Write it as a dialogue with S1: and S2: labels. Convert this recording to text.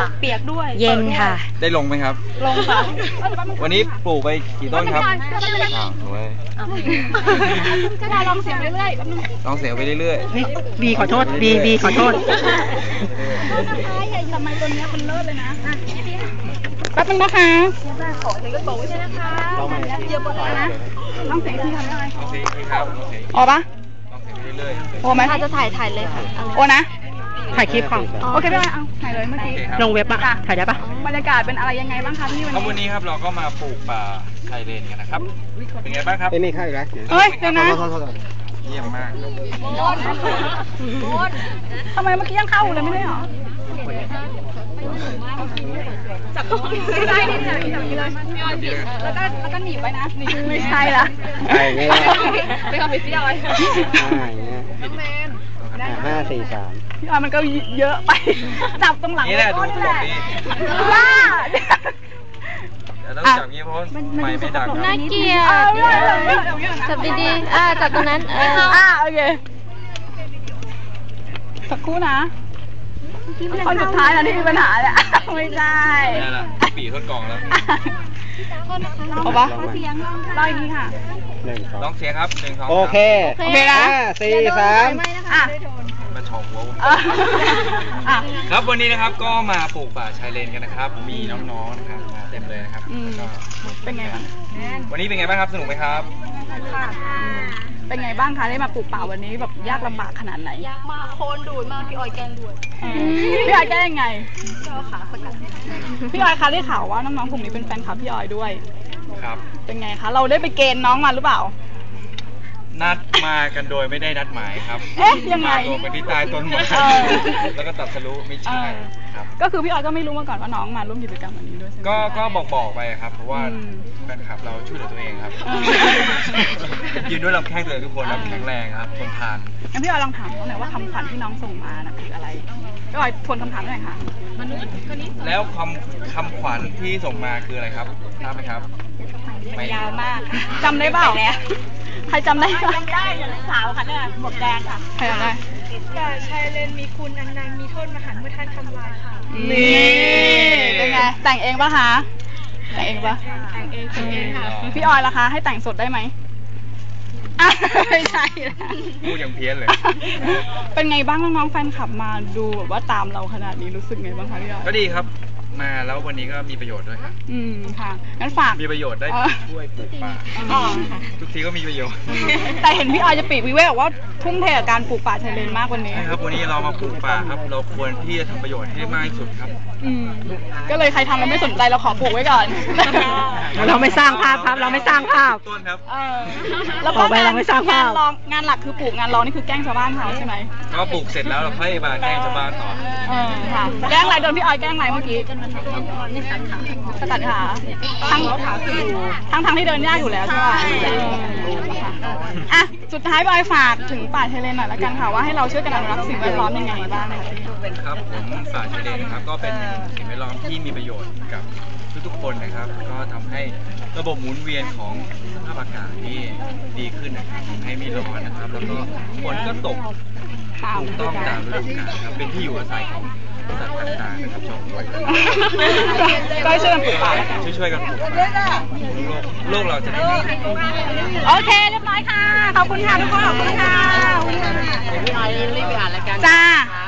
S1: เปียกด้วย
S2: เย็นค่ะ
S3: ได้ลงไหมครับ
S1: ลงค่ะ
S3: วันนี้ปลูกไปกี่ต้นครับสวย
S1: ก็ได้ลองเสียงไปเรื่อย
S3: ลองเสียงไปเรื่อย
S2: นี่บีขอโทษบีขอโทษ
S1: ทำไมตัวนี้มันเลิศเลยนะแป๊บนึงนะคะขอเสียงกระโปรงใช่ไหมคะเยอะกว่านะลองเสียงที่ทำได้
S3: ลองเสียงครับ
S1: อ๋อปะ
S3: ลองเสียงไปเรื่อย
S1: โอ้ไหม
S2: ถ้าจะถ่ายเลยค่ะ
S1: โอ้นะ
S2: ถ่ายคลิปค่ะ
S1: โอเคได้ไหมเอาถ่ายเลยเมื่อกี้
S2: ลงเว็บอะถ่ายได้ปะ
S1: บรรยากาศเป็นอะไรยังไงบ้างคะที่
S3: วันนี้ครับเราก็มาปลูกป่าไทยเลนกันนะครับเป็นไงบ้างครับ
S4: นี่เข้าอีกแล้ว
S1: เฮ้ยเดี๋ยวนะ
S3: เยี่ยมมาก
S1: ทำไมเมื่อกี้ยังเข้าเลยไม่ได้หรอจับตัวไม่ได้นี่เลยแล้วก็หนีบไว้นะไม่ใช่ละไปทำไปพี่ออย
S4: น้องแมน5 4 3
S1: พี่ออยมันก็เยอะไปจับตรงหลัง
S3: นี่แหละดูตลกดี
S1: ว้า
S3: ต้องจับงี้เพราะไม่ดัง
S2: น่าเกลียดจับดีๆจับตรงนั้น
S1: โอเคสักครู่นะคนสุดท้ายนะที่มีปัญหาแหละไม่ใช่
S3: นี่แหละปีทดกล่องแล้ว
S1: เอาปะเล่าอย่างนี้ค่ะ
S3: ลองเสียงครับ1 2 3
S4: โอเค
S1: นะ
S4: 5 4 3
S3: มาฉอกหัวครับวันนี้นะครับก็มาปลูกป่าชายเลนกันนะครับมีน้องๆนะครับมาเต็มเลยนะครับ
S1: เป็นไงบ้าง
S3: วันนี้เป็นไงบ้างครับสนุกไหมครับ
S1: เป็นไงบ้างคะได้มาปลูกป่าวันนี้แบบยากลำบากขนาดไหนยากมากโคนดูดมากพี่ออยแกงดูดพี่ออยแกยังไงขาสกัดพี่ออยคะได้ข่าวว่าน้องๆกลุ่มนี้เป็นแฟนคลับพี่ออยด้วย
S3: ครับ
S1: เป็นไงคะเราได้ไปเกณฑ์น้องมาหรือเปล่า
S3: นัดมากันโดยไม่ได้นัดหมายครับ
S1: ยังไง
S3: ตัวกันที่ใต้ต้นไม้แล้วก็ตัดสรุปไม่ใช่ครับ
S1: ก็คือพี่ออยก็ไม่รู้มาก่อนว่าน้องมาร่วมกิจกรรมวันนี้ด้วยใช่ไหม
S3: ก็บอกไปครับเพราะว่าแฟนคลับเราช่วยเหลือตัวเองครับยืนด้วยลำแข้งตัวเองทุกคนแข็งแรงครับทนทาน
S1: งั้นพี่ออยลองถามเขาหน่อยว่าคำขวัญที่น้องส่งมาน่ะคืออะไรพี่ออยทวนคำถามหน่อยค่ะ
S3: แล้วคำขวัญที่ส่งมาคืออะไรครับทราบไหมครับ
S1: ยาวมากจำได้เปล่าใครจำได้จำได้สาวค่ะเนี่ยหมวกแดงค่ะใครจำได้
S5: ป่าชายเลนมีคุณอันนันต์มีโทษมหันต์เมื่อท่านทำลายค่ะ
S1: นี่เป็นไงแต่งเองปะคะแต่งเองปะ
S5: แต่งเองค่ะ
S1: พี่ออยล่ะคะให้แต่งสดได้ไหมไม่ใช่
S3: พูดอย่างเพี้ยนเลย
S1: เป็นไงบ้างน้องๆแฟนคลับมาดูแบบว่าตามเราขนาดนี้รู้สึกไงบ้างคะพี่ออย
S3: ก็ดีครับมาแล้ววันนี้ก็มีประโยชน์ด้วยครับ
S1: ค่ะงั้นฝาก
S3: มีประโยชน์ได้ช่วยปลูกป่าทุกทีก็มีประโยชน์
S1: แต่เห็นพี่ออยจะปีกวิเวกบอกว่าทุ่มเทกับการปลูกป่าชายเลนมากวันนี้
S3: ใช่ครับวันนี้เรามาปลูกป่าครับเราควรที่จะทำประโยชน์ให้ได้มากที่สุดครับ
S1: ก็เลยใครทำเราไม่สนใจเราขอปลูกไว้ก่อน
S2: เราไม่สร้างภาพครับเราไม่สร้างภาพ
S3: ต้นครับ
S1: แล้วก็งานหลักคือปลูกงานรองนี่คือแกล้งชาวบ้านเขาใช่ไหม
S3: ก็ปลูกเสร็จแล้วเราค่อยมาแกล้งชาวบ้านต่อ
S1: ค่ะแกล้งอะไรโดนพี่ออยแกล้งอะไรเมื่อกี้สกัดขาทั้งที่เดินยากอยู่แล้วใช่ไหมสุดท้ายบอยฝากถึงป่าชายเลนหน่อยละกันค่ะว่าให้เราช่วยกันอนุรักษ์สิ่งแวดล้อมยังไงบ้าง
S3: ครับผมป่าชายเลนนะครับก็เป็นสิ่งแวดล้อมที่มีประโยชน์กับทุกๆคนนะครับก็ทำให้ระบบหมุนเวียนของสภาพอากาศที่ดีขึ้นนะครับทำให้ไม่ร้อนนะครับแล้วก็ฝนก็ตกถูกต้องตามฤดูกาลครับเป็นที่อยู่อาศัยของสัตว์ต่างๆนะครับชาวบ้าน
S1: ก็ช่วยกันปลูกป่า
S3: ช่วยกันปลูกป่าโลกเราจะได้ดี
S1: โอเคเรียบร้อยค่ะขอบคุณค่ะทุกคนขอบคุณค่ะ
S2: พี่ออยรีบไปอ่านรายการ
S1: จ้า